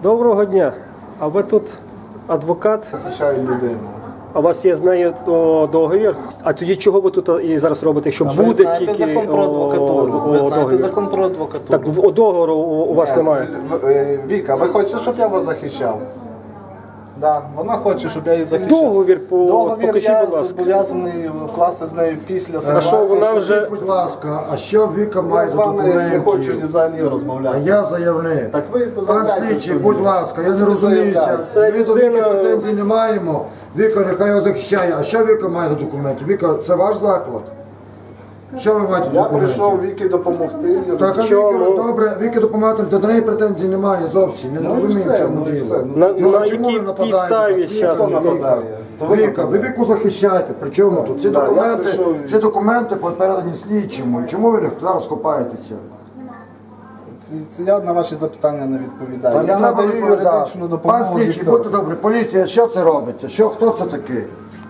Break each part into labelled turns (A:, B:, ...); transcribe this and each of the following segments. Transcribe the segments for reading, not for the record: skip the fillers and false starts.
A: Доброго дня. А ви тут адвокат?
B: Захищаю людину.
A: А у вас є з нею договір? А тоді чого ви тут і зараз робите, якщо
B: Ви
A: буде
B: знаєте
A: тільки
B: закон про адвокатуру. Ви знаєте
A: договір?
B: закон про адвокатуру.
A: Так, договору у вас немає.
B: Віка, ви хочете, щоб я вас захищав? Да, вона хоче, щоб я її захищав.
A: Договір
B: Договір
A: покажіть,
B: я
A: будь ласка.
B: зобов'язаний вкласти з нею після
A: А що вона вже...
C: Будь ласка, а що Віка має
B: Я з
C: за
B: вами не хочу
C: документів?
B: взагалі
C: А
B: розмовляти.
C: я заявник.
B: Так ви
C: Пан
B: заявляйте
C: слідчий,
B: собі.
C: будь ласка, я не
B: Це
C: розуміюся.
A: Це
C: Ми до Віки
A: людина-
C: претензій не маємо. Віка нехай його захищає. А що Віка має за документи? Віка, це ваш заклад? Що ви маєте
B: Я
C: документів?
B: прийшов Вікі допомогти.
C: Так, а
A: Чому?
C: Віки, добре, Віки допомагати, до неї претензій немає зовсім. Я не
B: Ну і
C: розумію, в
B: все,
C: чому
B: ну і все.
C: діло.
A: На
C: Ну, чому
A: якій
C: ви нападаєте?
A: підставі
C: Віка,
A: зараз?
B: нападає? То ви
C: Віка, ви Віку захищаєте. При чому тут?
B: Да, я прийшов.
C: Ці документи передані слідчому. Чому ви зараз копаєтеся?
B: Це я на ваші запитання не відповідаю.
C: Та не
B: Я
C: треба
B: надаю
C: відповідати.
B: юридичну допомогу.
C: Пан слідчий, будьте добрі, поліція, що це робиться? Хто це такий?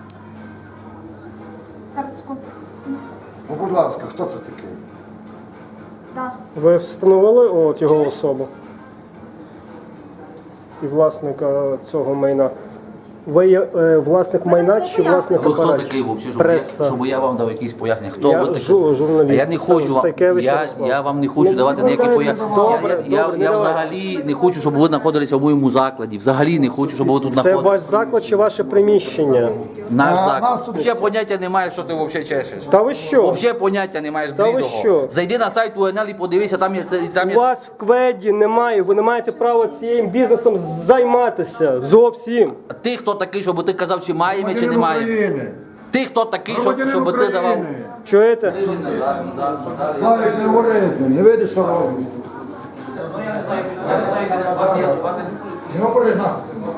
C: Ну, будь ласка, хто це такий?
D: Да.
A: Ви встановили його особу? І власника цього майна? Ви є власник майна чи власник
E: Ви хто
A: апаратів?
E: такий взагалі,
A: Преса.
E: щоб я вам дав якісь пояснення? Хто
A: Я
E: ви такий?
A: журналіст.
E: А я не хочу вам,
A: Сайкевич Ярослав.
E: я вам не хочу давати ніякі пояснення.
A: Добре,
E: Я
A: добре, не
E: взагалі не хочу, щоб ви знаходилися в моєму закладі. Взагалі не хочу, щоб ви тут
A: Це
E: знаходилися.
A: ваш заклад чи ваше приміщення?
E: Наш
C: А,
E: заклад.
C: нас тут-
E: Взагалі поняття немає, що ти взагалі чешеш.
A: Та ви що?
E: Взагалі поняття немає з
A: Та ви
E: блідого.
A: що?
E: Зайди на сайт УНЛ і подивися, там є там
A: У
E: є.
A: вас в кведі немає, ви не маєте права цим бізнесом займатися. Зовсім.
E: Ти хто такий, щоб ти казав, чи маємо, чи
C: Громадянин
E: не маємо.
C: України.
E: Ти хто такий,
C: Громадянин
E: щоб ти давав.
C: України.
A: Чуєте?
C: Славік, не говори з ним, не видиш, що робить. Не говори з нас.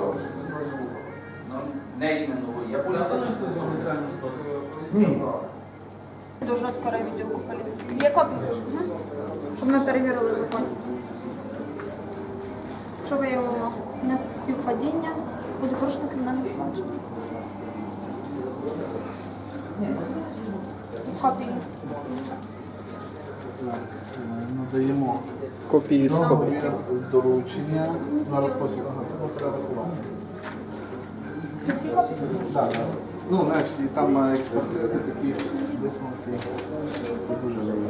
E: Не іменно ви, я поліція.
C: Ні.
D: Дуже скоро відділку поліції. Є копія? Щоб ми перевірили законність. Що виявило неспівпадіння, буде порушено кримінальне провадження. Копії.
B: Надаємо
A: Копії з копії.
B: договір, доручення. Зараз потім треба перерахувати.
D: Це всі копії?
B: Так, так. Ну, не всі, там експертизи такі висновки. Це дуже важливо.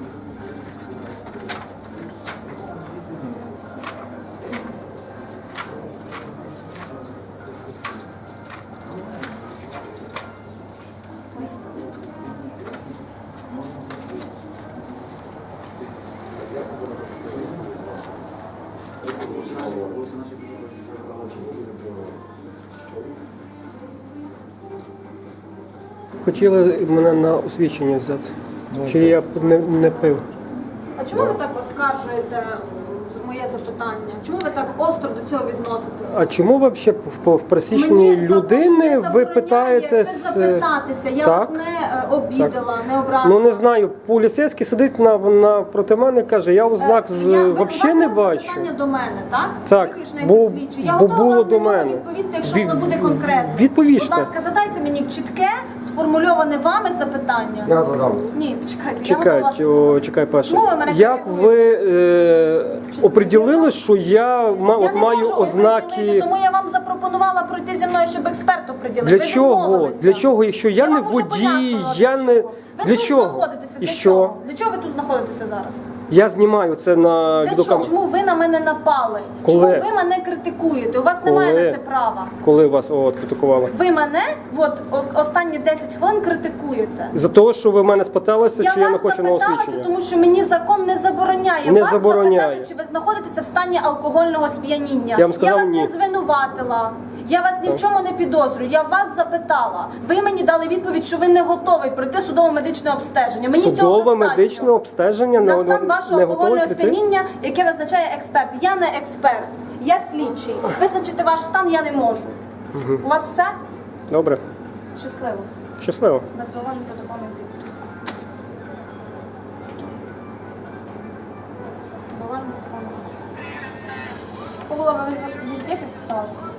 A: Хотіли мене на освідчення взяти. Чи я б не пив?
D: А чому ви так оскаржуєте моє запитання? Чому ви так остро до цього відноситеся?
A: А чому ви взагалі в присічній
D: Мені закон
A: людини
D: не
A: ви
D: забороняє
A: питаєтесь?
D: це запитатися. Я
A: так?
D: вас не обідала, не образила.
A: Ну не знаю, поліцейський сидить проти мене, каже, я ознак взагалі не бачу.
D: Питання до мене, так?
A: Так,
D: Виключно як
A: бо-
D: слідчу. Я
A: бо
D: готова
A: було
D: вам
A: до
D: на нього
A: мене.
D: відповісти, якщо
A: Від-
D: воно буде конкретно.
A: відповісте.
D: Будь ласка, задайте мені чітке, сформульоване вами запитання.
C: Я задам.
D: Ні, почекайте, я готова вас
A: Чекай,
D: послухати.
A: чекай перше.
D: Чому ви мене
A: Як
D: критикуєте?
A: ви оприділили, що я
D: Я не
A: маю
D: можу
A: ознаки?
D: оприділити, тому я вам запропонувала пройти зі мною, щоб експерт оприділив.
A: Для
D: Ви
A: чого?
D: відмовилися.
A: Для чого? Якщо я не
D: вам вже
A: водій,
D: пояснила,
A: я
D: для
A: не-
D: чого. Ви
A: для
D: тут
A: чого?
D: знаходитеся.
A: І
D: Для
A: що?
D: чого? Для чого ви тут знаходитеся зараз?
A: Я знімаю це на
D: Для чого?
A: відеокамеру.
D: Чому ви на мене напали?
A: Коли?
D: Чому ви мене критикуєте? У вас немає
A: Коли?
D: на це права.
A: Коли вас критикували?
D: Ви мене останні 10 хвилин критикуєте.
A: За того, що ви в мене спиталися,
D: Я
A: чи я не
D: вас
A: хочу на
D: запиталася,
A: освічення?
D: тому що мені закон не забороняє
A: Не
D: вас
A: забороняє.
D: запитати, чи ви знаходитеся в стані алкогольного сп'яніння.
A: Я вам сказав,
D: вас
A: ні.
D: не звинуватила. Я вас ні в чому не підозрюю. Я вас запитала. Ви мені дали відповідь, що ви не готовий пройти судово-медичне обстеження. Мені цього
A: Судове
D: достатньо.
A: медичне обстеження
D: На стан вашого
A: не
D: алкогольного
A: готові прийти?
D: сп'яніння, яке визначає експерт. Я не експерт, я слідчий. Визначити ваш стан я не можу. У вас все?
A: Добре,
D: Щасливо.
A: щасливо.
D: Без зауважень та доповнень підпис. Зауважень та доповнень підпис. Павлова, ви везде підписалися?